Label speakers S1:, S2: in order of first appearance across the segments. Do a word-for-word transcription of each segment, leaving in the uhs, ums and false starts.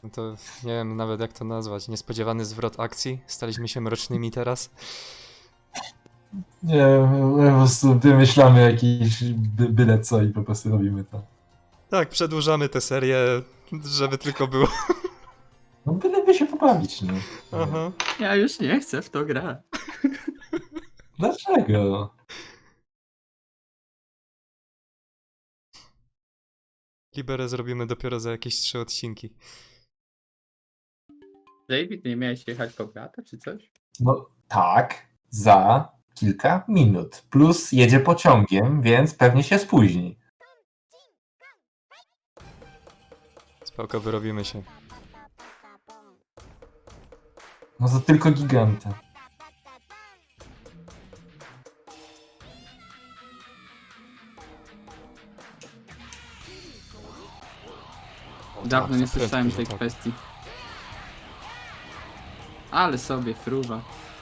S1: No to nie wiem nawet jak to nazwać. Niespodziewany zwrot akcji. Staliśmy się mrocznymi teraz.
S2: Nie, my po prostu wymyślamy jakiś by, byle co i po prostu robimy to.
S1: Tak, przedłużamy tę serię, żeby tylko było.
S2: No byleby się pobawić, no.
S1: Aha.
S3: Ja już nie chcę w to grać.
S2: Dlaczego?
S1: Liberę zrobimy dopiero za jakieś trzy odcinki.
S3: David, nie miałeś jechać po brata czy coś?
S2: No tak, za kilka minut. Plus jedzie pociągiem, więc pewnie się spóźni.
S1: Spoko, wyrobimy się.
S2: No to tylko giganta.
S3: Dawno nie
S1: tak,
S3: słyszałem
S1: prędko,
S3: tej
S1: że tak.
S3: kwestii. Ale sobie fruwa.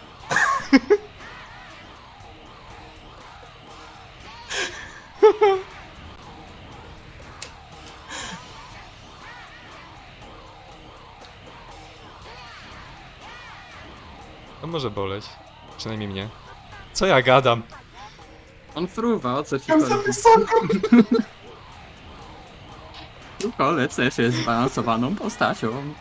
S1: To może boleć. Przynajmniej mnie. Co ja gadam?
S3: On fruwa, o co ci
S2: Tam za
S3: chodzi?
S2: wysoko!
S3: Kolec też jest zbalansowaną postacią.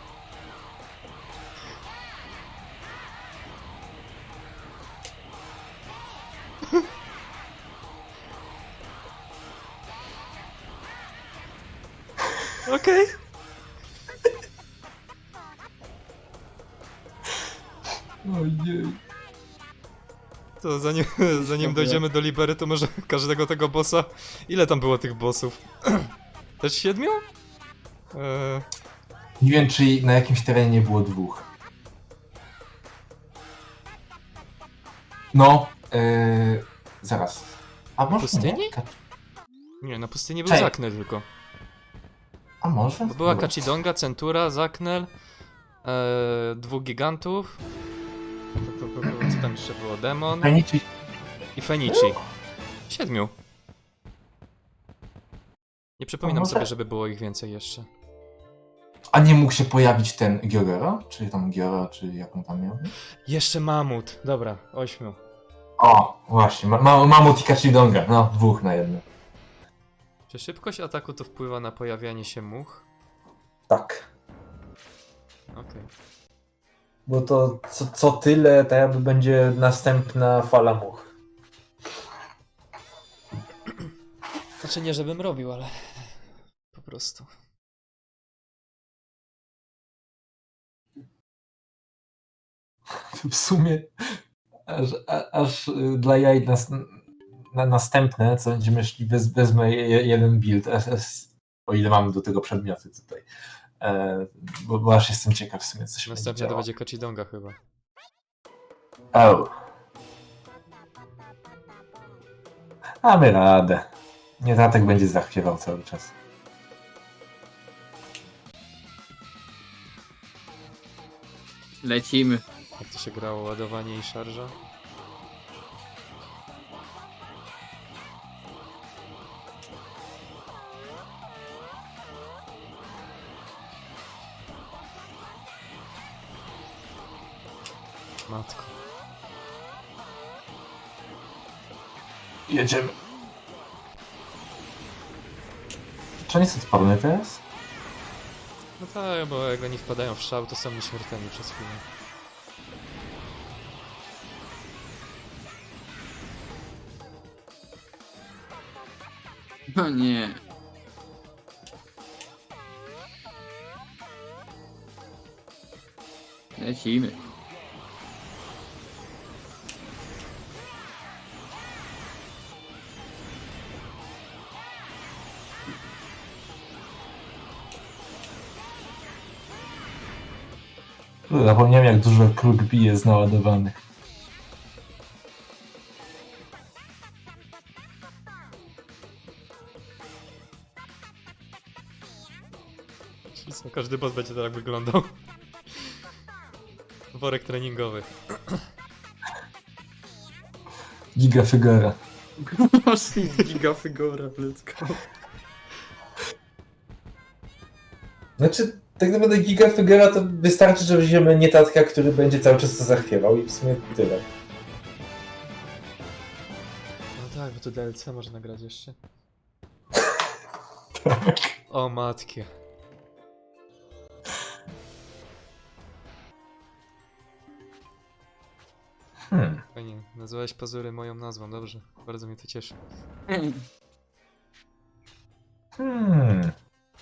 S1: Okej.
S2: Ojej.
S1: To zanim, zanim dojdziemy do Libery, to może każdego tego bossa... Ile tam było tych bossów? Też siedmiu? Eee,
S2: Nie wiem, czy na jakimś terenie nie było dwóch. No, yy, zaraz. A może
S1: Pustyni?
S2: nie? Ka-
S1: nie, na pustyni był
S2: Czekaj.
S1: Zaknel tylko.
S2: A może?
S1: Bo była
S2: Dobra.
S1: Kachidonga, Centura, Zaknel, eee, dwóch gigantów. To, to, to, to, co tam jeszcze było? Demon
S2: Fenici.
S1: i Fenici. Siedmiu. Nie przypominam
S2: może-
S1: sobie, żeby było ich więcej jeszcze.
S2: A nie mógł się pojawić ten Giorero? Czy tam Gioro, czy jaką tam miał?
S1: Jeszcze mamut. Dobra, ośmiu.
S2: O, właśnie. Ma, ma, Mamut i Kachidonga. No, dwóch na jedno.
S1: Czy szybkość ataku to wpływa na pojawianie się much?
S2: Tak.
S1: Okej.
S2: Bo to co, co tyle, to jakby będzie następna fala much.
S1: Znaczy nie, żebym robił, ale po prostu.
S2: W sumie aż, a, aż y, dla jaj nas, na następne, co będziemy szli, wez, wezmę je, jeden build, aż, aż, o ile mamy do tego przedmioty tutaj. E, bo, bo aż jestem ciekaw w sumie, co się
S1: Następnie
S2: będzie
S1: to
S2: działo.
S1: będzie Kachidonga chyba.
S2: O. Mamy radę. Nie, tatek będzie zachwiewał cały czas.
S3: Lecimy.
S1: Jak to się grało? Ładowanie i szarża? Matko.
S2: Jedziemy. Czy oni są odporne teraz?
S1: No tak, bo jak oni wpadają w szał, to są nieśmiertelni przez chwilę.
S3: No nie. Lecimy.
S2: Zapomniałem, jak dużo kruk bije z naładowanych.
S1: Czyli co, każdy boss będzie tak wyglądał. Worek treningowy.
S2: Giga figura.
S3: Gigafigura, let's go.
S2: Znaczy, tak naprawdę Gigafigura to wystarczy, że weźmiemy nietatka, który będzie cały czas to zachwiewał i w sumie tyle.
S1: No tak, bo to D L C można grać jeszcze.
S2: Tak.
S1: O matkie.
S2: Hmm.
S1: Fajnie, nazwałeś pazury moją nazwą, dobrze. Bardzo mnie to cieszy.
S2: Hmm.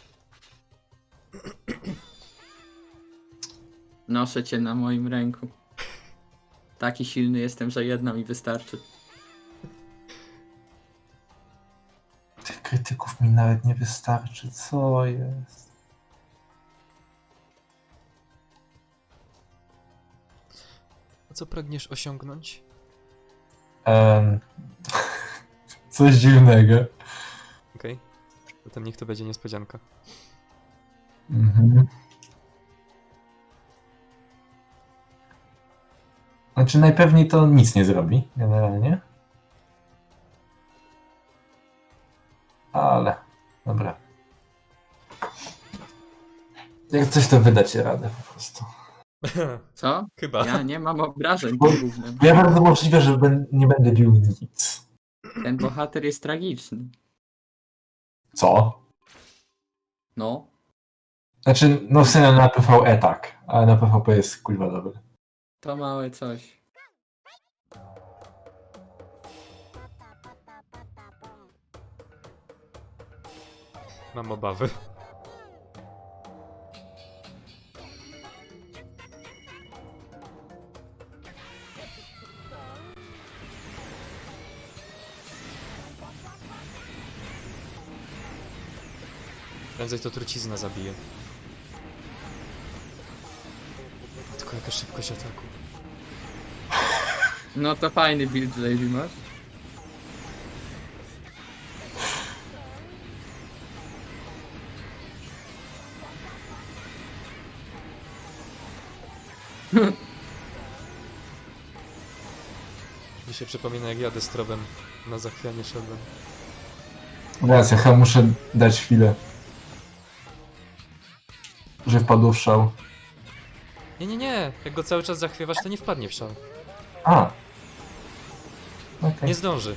S3: Noszę cię na moim ręku. Taki silny jestem, że jedna mi wystarczy.
S2: Tych krytyków mi nawet nie wystarczy, co jest?
S1: A co pragniesz osiągnąć?
S2: Um, coś dziwnego.
S1: Okej. Okay. Potem niech to będzie niespodzianka.
S2: Mhm. Znaczy najpewniej to nic nie zrobi, generalnie. Ale, dobra. Jak coś to wydać radę po prostu.
S3: Co?
S1: Chyba.
S3: Ja nie mam obrażeń
S2: Bo-
S3: tym gównem.
S2: Ja bardzo możliwe, że ben, nie będę bił nic.
S3: Ten bohater jest tragiczny.
S2: Co?
S3: No.
S2: Znaczy, no w sumie na PvE tak, ale na PvP jest kurwa dobry.
S3: To małe coś.
S1: Mam obawy. Prędzej to trucizna zabije. Tylko jaka szybkość ataku.
S3: No to fajny build, Lady masz.
S1: Mi się przypomina, jak ja destrowem na zachwianie szedłem.
S2: Teraz ja chyba muszę dać chwilę. Że wpadł w szał.
S1: Nie, nie, nie! Jak go cały czas zachwiewasz, to nie wpadnie w szał.
S2: A. Okej.
S1: Nie zdąży.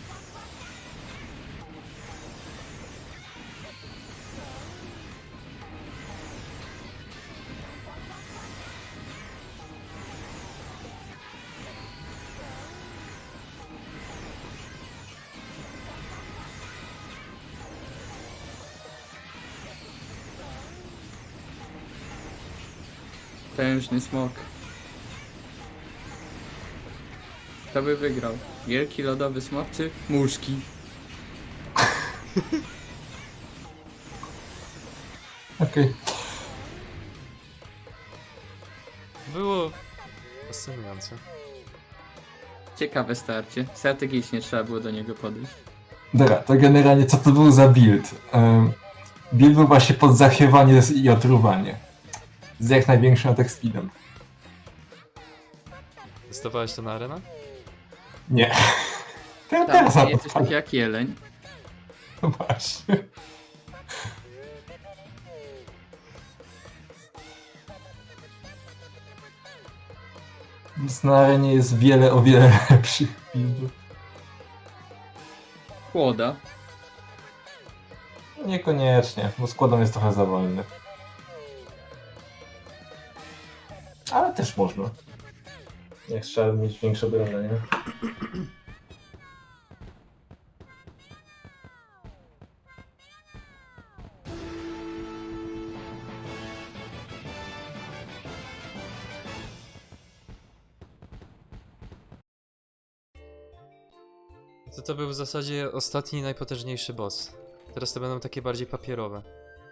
S3: Potężny smok. Kto by wygrał? Wielki lodowy smok czy muszki?
S2: Okej.
S1: Było fascynujące.
S3: Ciekawe starcie. Strategicznie trzeba było do niego podejść.
S2: Dobra, to generalnie co to był za build? Um, build był właśnie pod zachwiewanie i otruwanie. Z jak największym attack speedem.
S1: Testowałeś to na arena?
S2: Nie. Ja
S3: Tam
S2: teraz na to
S3: jesteś
S2: wpadłem.
S3: taki jak jeleń.
S2: No właśnie. Więc na arenie jest wiele, o wiele lepszych buildów.
S3: Chłoda.
S2: Niekoniecznie, bo składam jest trochę za wolny. Ale też można. Jak trzeba mieć większe obronę, nie?
S1: To to był w zasadzie ostatni, najpotężniejszy boss. Teraz to będą takie bardziej papierowe.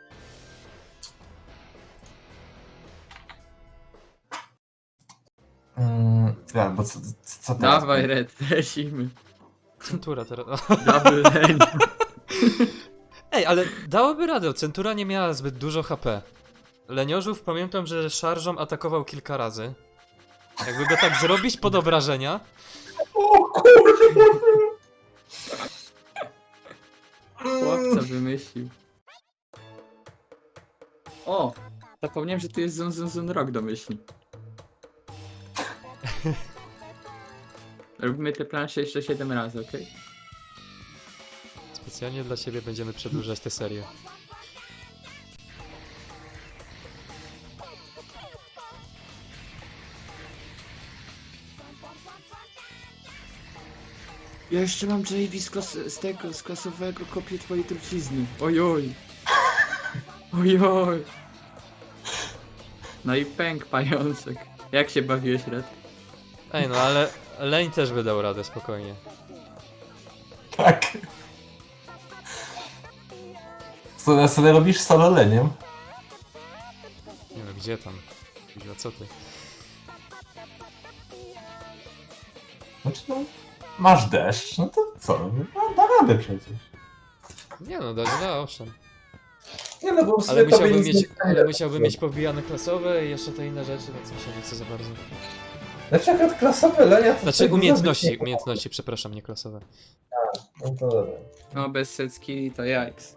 S2: Mm, ja, bo co, co teraz?
S3: Dawaj Red, lecimy.
S1: Centura teraz.
S3: Double lane.
S1: Ej, ale dałoby radę, Centura nie miała zbyt dużo H P. Leniożów pamiętam, że szarżą atakował kilka razy. Jakby go tak zrobić pod obrażenia.
S2: O kurde!
S3: Chłopca wymyślił. O! Zapomniałem, że tu jest Zun Zun Zun Rock domyślnie. Robimy te plansze jeszcze siedem razy, okej?
S1: Specjalnie dla ciebie będziemy przedłużać tę serię.
S3: Ja jeszcze mam J V z, klas z tego, z klasowego kopię twojej trucizny. Ojoj. Ojoj. No i pęk pajączek. Jak się bawiłeś, Red?
S1: Ej, no ale Lane też by dał radę, spokojnie.
S2: Tak. Co, co ty robisz z solo leniem?
S1: Nie no, gdzie tam? Kurwa, co ty?
S2: Znaczy no, masz deszcz, no to co? No, da radę przecież.
S1: Nie no, da, da, owszem.
S2: Nie no, bo w
S1: Ale
S2: sumie tobie
S1: musiałbym
S2: nic
S1: mieć,
S2: nie
S1: ale
S2: daje.
S1: musiałbym mieć powbijane klasowe i jeszcze te inne rzeczy, więc mi się nie chce za bardzo.
S2: Znaczy akurat klasowe lenia to...
S1: Znaczy
S2: tego
S1: umiejętności,
S2: zrobić nie-
S1: umiejętności, przepraszam, nie klasowe.
S2: No to dobra.
S3: No bez secki to jajks.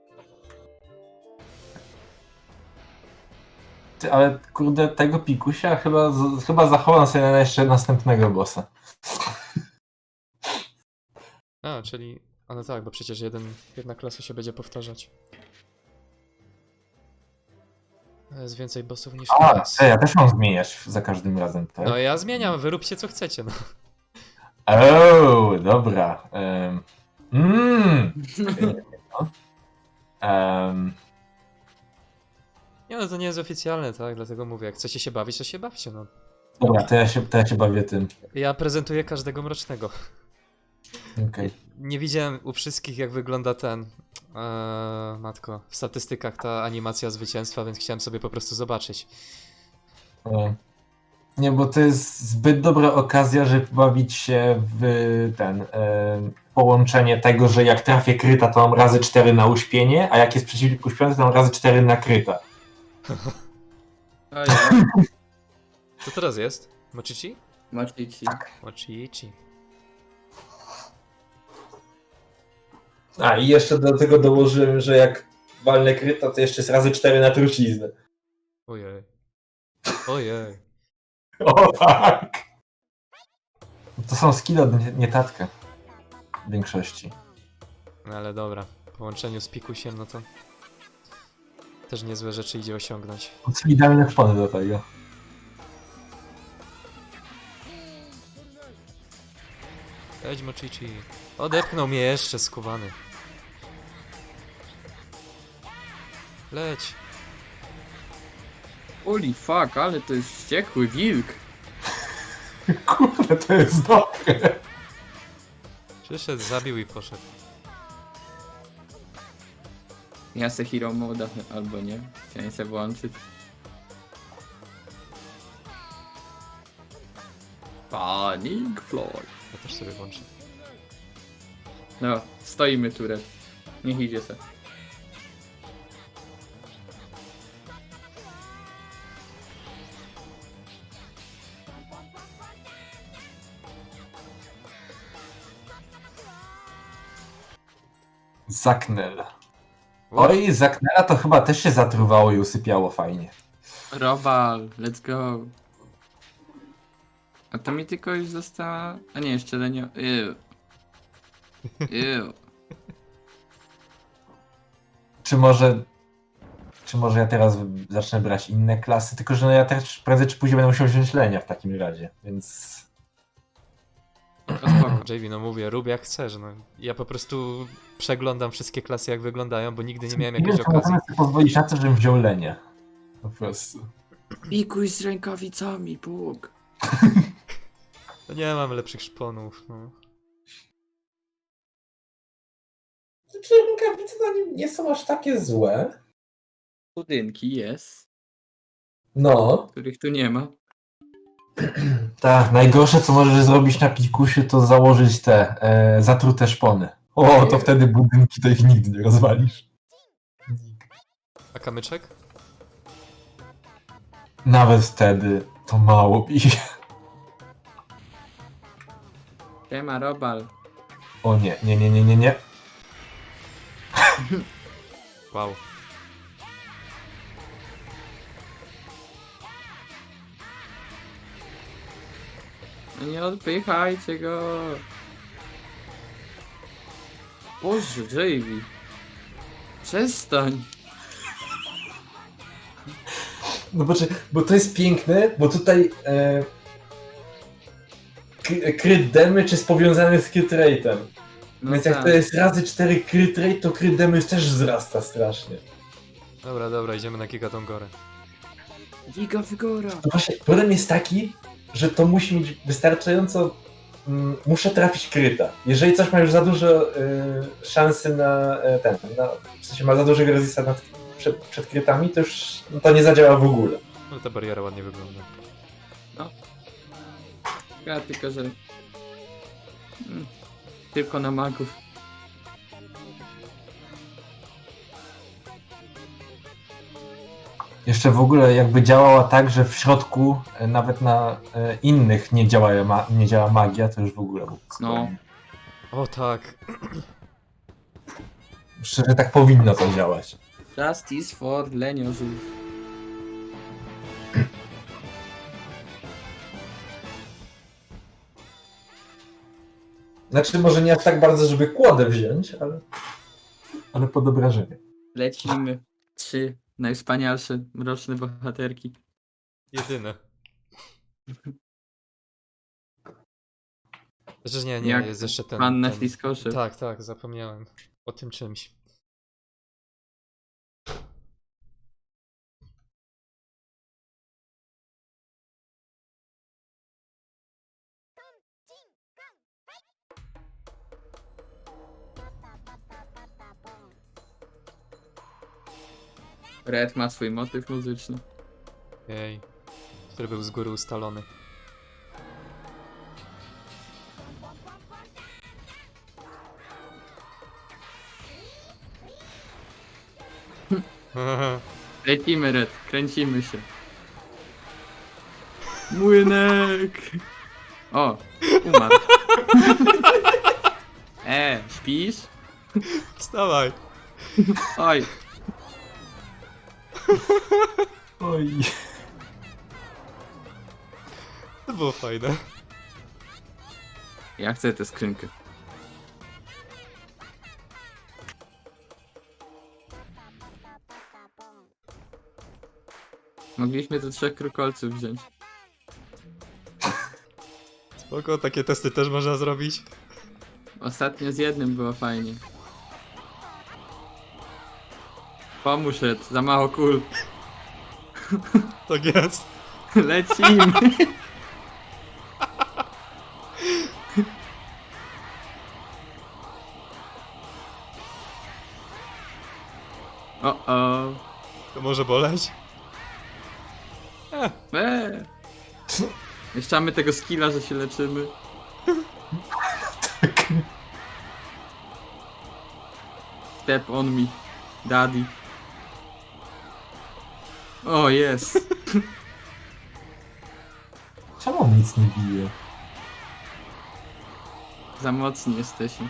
S2: Ty, ale kurde, tego pikusia chyba, z, chyba zachowam sobie na jeszcze następnego bossa.
S1: A, czyli... A no tak, bo przecież jeden, jedna klasa się będzie powtarzać. Jest więcej bossów niż
S2: A,
S1: klas.
S2: ty, ja też mam zmieniać za każdym razem, tak?
S1: No ja zmieniam, wyróbcie co chcecie, no.
S2: O, dobra. Um, mm. um,
S1: Nie no, to nie jest oficjalne, tak? Dlatego mówię, jak chcecie się bawić, to się bawcie, no.
S2: dobra, to ja, się, to ja się bawię tym.
S1: Ja prezentuję każdego mrocznego.
S2: Okej.
S1: Nie widziałem u wszystkich, jak wygląda ten... Eee, matko, w statystykach ta animacja zwycięstwa, więc chciałem sobie po prostu zobaczyć.
S2: E, Nie, bo to jest zbyt dobra okazja, żeby bawić się w ten... E, połączenie tego, że jak trafię kryta, to mam razy cztery na uśpienie, a jak jest przeciwnik uśpiony, to mam razy cztery na kryta.
S3: Ojej.
S1: Co teraz jest? Mochichi?
S3: Mochichi.
S1: Mochichi.
S2: A i jeszcze do tego dołożyłem, że jak walnę kryta, to jeszcze jest razy cztery na truciznę.
S1: Ojej. Ojej.
S2: O tak! To są skille od nie- nietatka. W większości.
S1: No ale dobra, w połączeniu z Pikusiem, no to... Też niezłe rzeczy idzie osiągnąć.
S2: To są idealne szpony do tego.
S1: Edź Mochichi. Odepchnął mnie jeszcze, skubany. Leć.
S3: Holy fuck, ale to jest wściekły wilk.
S2: Kurde, to jest dobre.
S1: Przyszedł, zabił i poszedł.
S3: Ja se hero moda, albo nie. Chciałem se włączyć. Panic Floyd.
S1: Ja też sobie włączę.
S3: No, stoimy tu, Red. Niech idzie se.
S2: Zaknel. Oj, Zaknela to chyba też się zatruwało i usypiało fajnie.
S3: Robal, let's go. A to mi tylko już została... A nie, jeszcze Lenio... Ew. Ew.
S2: Czy może... Czy może ja teraz zacznę brać inne klasy? Tylko, że no ja też prędzej czy później będę musiał wziąć Lenia w takim razie, więc...
S3: To spoko.
S1: J V, no mówię, rób jak chcesz, no. Ja po prostu przeglądam wszystkie klasy jak wyglądają, bo nigdy nie miałem
S2: Nie wiem,
S1: jakiejś
S2: czy
S1: okazji.
S2: możemy sobie pozwolić na to, żebym wziął Lenia. Po prostu.
S3: Pikuj z rękawicami, Bóg.
S1: No nie mam lepszych szponów, no.
S2: Czy rękawice nie są aż takie złe?
S3: Budynki jest,
S2: No.
S3: których tu nie ma.
S2: Tak, najgorsze co możesz zrobić na pikusiu to założyć te e, zatrute szpony. O, to wtedy budynki to ich nigdy nie rozwalisz.
S1: A kamyczek?
S2: Nawet wtedy to mało bije.
S3: Siema, Robal.
S2: O nie, nie, nie, nie, nie, nie.
S1: Wow.
S3: No nie odpychajcie go. Boże, Javy. Przestań.
S2: No bo, bo to jest piękne, bo tutaj e, k- crit damage jest powiązany z crit rate'em.
S3: No
S2: Więc jak
S3: tak.
S2: to jest razy cztery crit rate, to crit damage też wzrasta strasznie.
S1: Dobra, dobra, idziemy na Gigatongorę.
S3: Giga Wygora.
S2: No właśnie, problem jest taki, że to musi mieć wystarczająco... Mm, muszę trafić kryta. Jeżeli coś ma już za dużo y, szansy na y, ten, na, w sensie ma za dużego resista nad, przed, przed krytami, to już no, to nie zadziała w ogóle.
S1: No ta bariera ładnie wygląda.
S3: Ja tylko, że... Mm, tylko na magów.
S2: Jeszcze w ogóle jakby działała tak, że w środku e, nawet na e, innych nie działa, ma, nie działa magia, to już w ogóle był
S3: No.
S1: O tak.
S2: Szczerze, tak powinno to działać.
S3: Justice for leniozów.
S2: Znaczy może nie aż tak bardzo, żeby kłodę wziąć, ale, ale pod obrażenie.
S3: Lecimy. Trzy najwspanialsze mroczne bohaterki.
S1: Jedyne. Znaczy nie, nie,
S3: Jak
S1: jest jeszcze ten...
S3: Panna
S1: ten...
S3: Śliskosze.
S1: Tak, tak, zapomniałem o tym czymś.
S3: Red ma swój motyw muzyczny.
S1: Jej. Który był z góry ustalony.
S3: Lecimy, Red, kręcimy się. Młynek! O, umarł. E, śpisz?
S1: Wstawaj!
S3: Oj,
S2: Oj.
S1: To było fajne.
S3: ja chcę tę skrzynkę. Mogliśmy tu trzech krukolców wziąć.
S1: Spoko, takie testy też można zrobić.
S3: Ostatnio z jednym było fajnie. Pomóż, Red, za mało kul.
S1: Tak jest.
S3: Lecimy. O, o.
S1: To może boleć?
S3: Eee. Jeszcze mamy tego skilla, że się leczymy. Step on me, daddy. O, jest.
S2: Czemu on nic nie bije?
S3: Za mocni jesteśmy.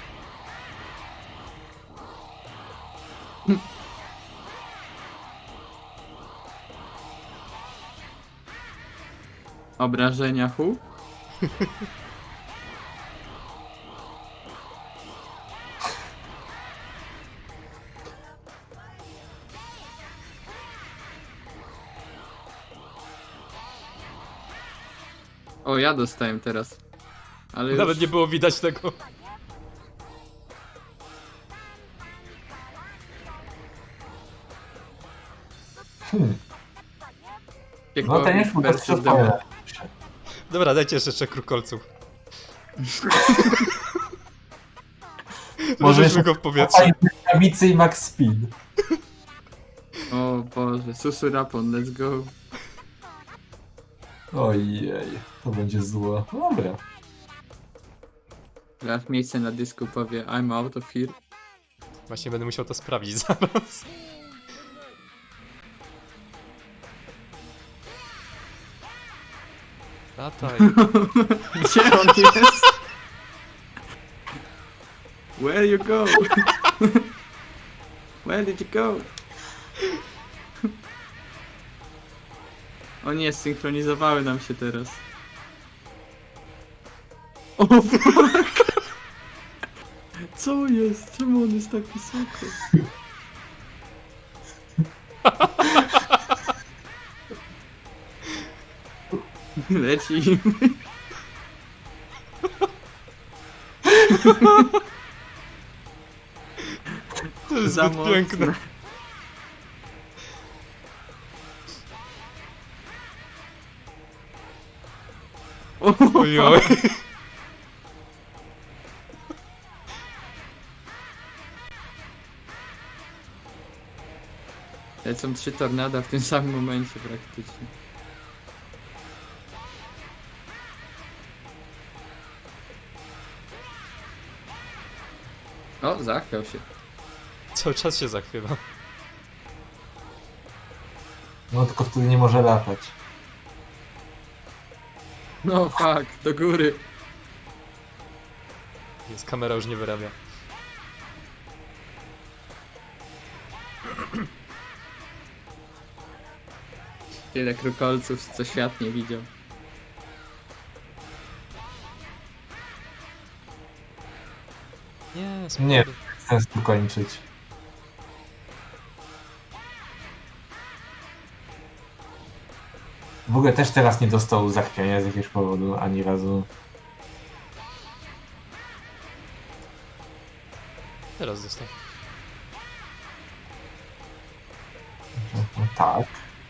S3: Obrażenia hu? O, ja dostałem teraz. Ale
S1: Nawet
S3: już...
S1: nie było widać tego.
S2: Hmm.
S3: Piekło
S2: No ten już mu to
S3: versus
S2: wszystko
S3: demon.
S1: Dobra, dajcie jeszcze trzech krukolców.
S2: Może
S1: Możemy go w powietrzu.
S2: Rękawicy i max speed.
S3: O Boże, Susurapon, let's go.
S2: Ojej, to będzie zło. No dobra.
S3: Teraz miejsce na dysku powie I'm out of here.
S1: Właśnie będę musiał to sprawdzić zaraz. Lataj.
S3: Gdzie on jest? Where you go? Where did you go? O nie, synchronizowały nam się teraz. O fuck! Co jest? Czemu on jest tak wysoko? Leci.
S1: To jest
S3: Za
S1: zbyt
S3: mocne.
S1: piękne. Ojoj.
S3: Lecą trzy tornada w tym samym momencie praktycznie. O, zachwiał się.
S1: Cały czas się zachwiewa.
S2: No tylko wtedy nie może latać.
S3: No fuck, do góry.
S1: Więc kamera już nie wyrabia.
S3: Tyle krukolców, co świat nie widział.
S1: Nie,
S2: Nie.
S1: spokojnie.
S2: Chcę tu kończyć. W ogóle też teraz nie dostał zachwiania z jakiegoś powodu, ani razu.
S1: Teraz został.
S2: No, tak.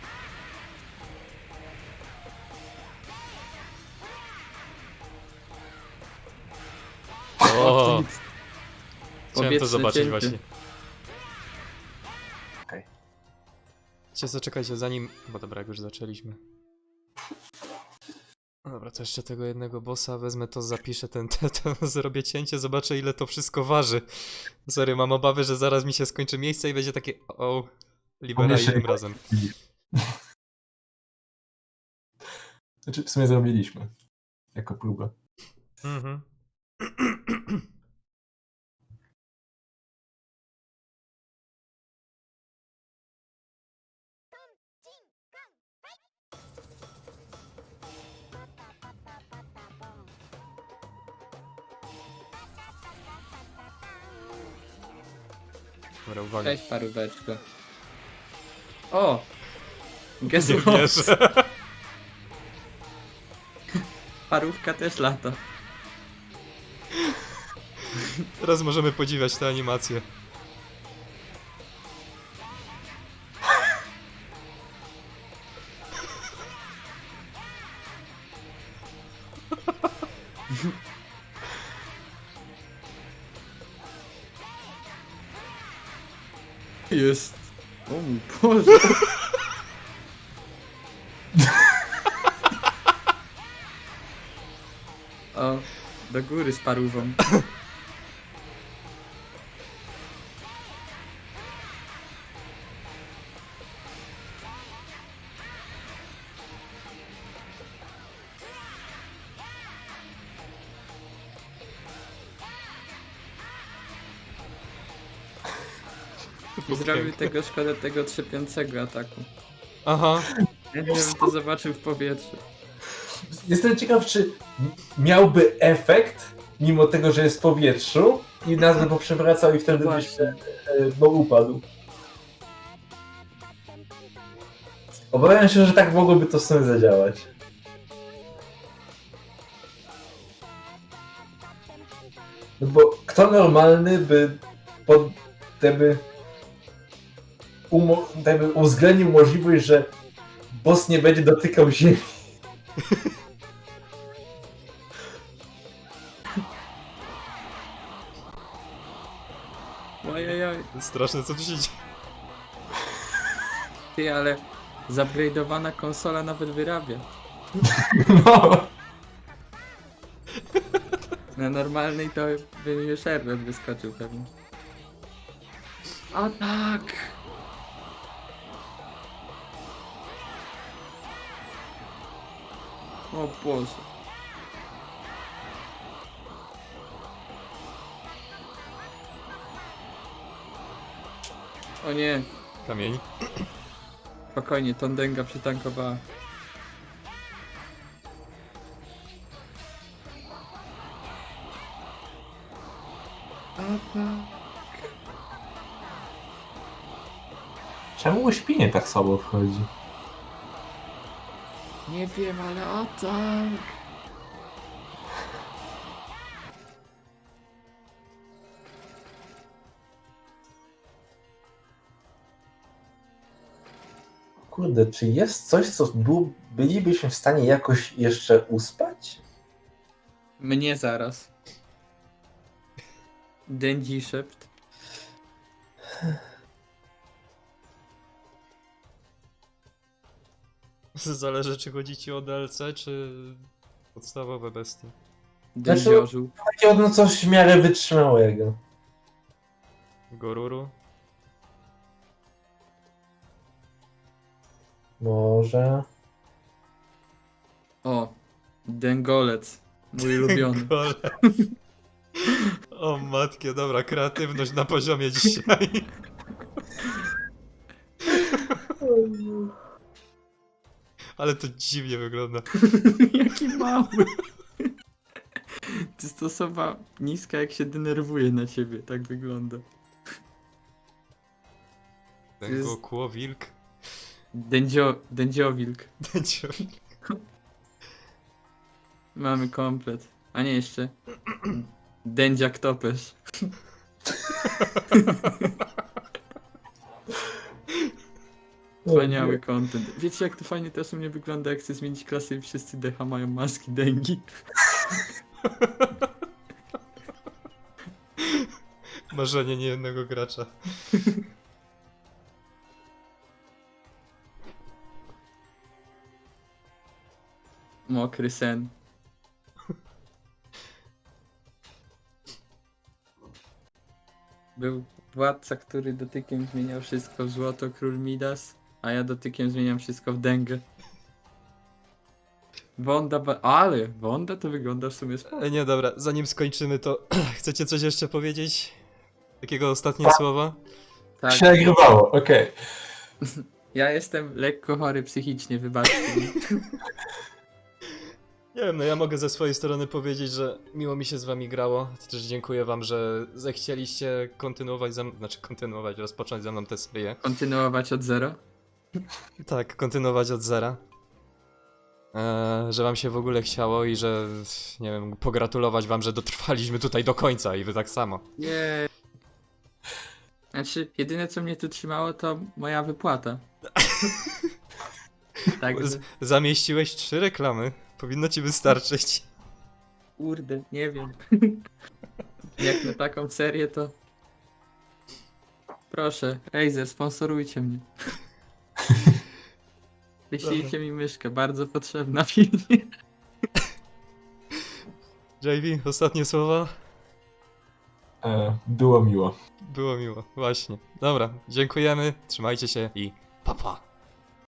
S1: O,
S3: nic.
S1: chciałem to
S3: Powietrze
S1: zobaczyć
S3: cięte.
S1: właśnie.
S2: Okej.
S1: Cię zaczekajcie zanim... Bo dobra, jak już zaczęliśmy. No dobra, to jeszcze tego jednego bossa wezmę, to zapiszę ten, te, to zrobię cięcie, zobaczę ile to wszystko waży. Sorry, mam obawy, że zaraz mi się skończy miejsce i będzie takie o, libera
S2: Jeszcze
S1: innym
S2: nie-
S1: razem.
S2: Znaczy w sumie zrobiliśmy. Jako próbę.
S1: Mhm. Dobra, uwaga.
S3: Cześć paróweczko. O! Guess
S1: Nie
S3: what?
S1: wierzę.
S3: Parówka też lata.
S1: Teraz możemy podziwiać tę animację.
S3: Jest. O mój Boże. O, do góry z parówą. I zrobił tego szkodę tego trzepiącego ataku.
S1: Aha.
S3: Ja nie wiem, to zobaczył w powietrzu.
S2: Jestem ciekaw, czy m- miałby efekt, mimo tego, że jest w powietrzu i nas by poprzewracał i wtedy byś
S3: Właśnie.
S2: e, no, upadł. Obawiam się, że tak mogłoby to w sumie zadziałać. No bo kto normalny by pod teby, umo, teby uwzględnił możliwość, że boss nie będzie dotykał ziemi.
S3: Ojojoj.
S1: Straszne co tu się dzieje.
S3: Ty, ale zupgrade'owana konsola nawet wyrabia.
S2: No.
S3: Na normalnej to by mi już error wyskoczył pewnie. A tak! O Boże. O nie,
S1: Kamień.
S3: spokojnie, Tondęga przytankowała.
S2: Czemu uśpienie tak słabo wchodzi?
S3: Nie wiem, ale atak!
S2: Kurde, czy jest coś, co był, bylibyśmy w stanie jakoś jeszcze uspać?
S3: Mnie zaraz. Dędzi szept.
S1: Zależy, czy chodzi ci o D L C, czy podstawowe bestie.
S3: Dędziorzu.
S2: Takiego no coś w miarę wytrzymałego.
S1: Goruru.
S2: Może...
S3: O, dęgolec. Mój ulubiony.
S1: Gole. O matkie, dobra, kreatywność na poziomie dzisiaj. Ale to dziwnie wygląda.
S3: Jaki mały. Ty to osoba niska, jak się denerwuje na ciebie. Tak wygląda.
S1: Ten
S3: jest-
S1: go kło wilk.
S3: Dędzio, dędziowilk.
S1: Dęciowi.
S3: Mamy komplet. A nie jeszcze. Dędziak topesz. Wspaniały content. Wiecie, jak to fajnie też u mnie wygląda, jak chcę zmienić klasę i wszyscy decha mają maski dengi.
S1: Marzenie niejednego gracza.
S3: Mokry sen. Był władca, który dotykiem zmieniał wszystko w złoto, król Midas, a ja dotykiem zmieniam wszystko w dęgę. Wonda, ba- ale Wonda to wygląda w sumie spoko.
S1: E, nie, dobra, zanim skończymy, to chcecie coś jeszcze powiedzieć? Takiego ostatnie słowa?
S3: Tak,
S2: Się nagrywało, okej.
S3: ja jestem lekko chory psychicznie, wybaczcie mi.
S1: Nie wiem, no ja mogę ze swojej strony powiedzieć, że miło mi się z wami grało. Też dziękuję wam, że zechcieliście kontynuować ze mną, znaczy kontynuować, rozpocząć ze mną tę serię.
S3: Kontynuować od zera.
S1: Tak, kontynuować od zera. Eee, że wam się w ogóle chciało i że, nie wiem, pogratulować wam, że dotrwaliśmy tutaj do końca i wy tak samo.
S3: Nie. Znaczy, jedyne co mnie tu trzymało to moja wypłata. Także,
S1: Z- zamieściłeś trzy reklamy, powinno ci wystarczyć.
S3: kurde, nie wiem. Jak na taką serię to... Proszę, Razer, sponsorujcie mnie. Wyślijcie mi myszkę, bardzo potrzebna pilnie.
S1: J V, ostatnie słowa?
S2: E, Było miło.
S1: Było miło, właśnie. Dobra, dziękujemy, trzymajcie się i pa pa.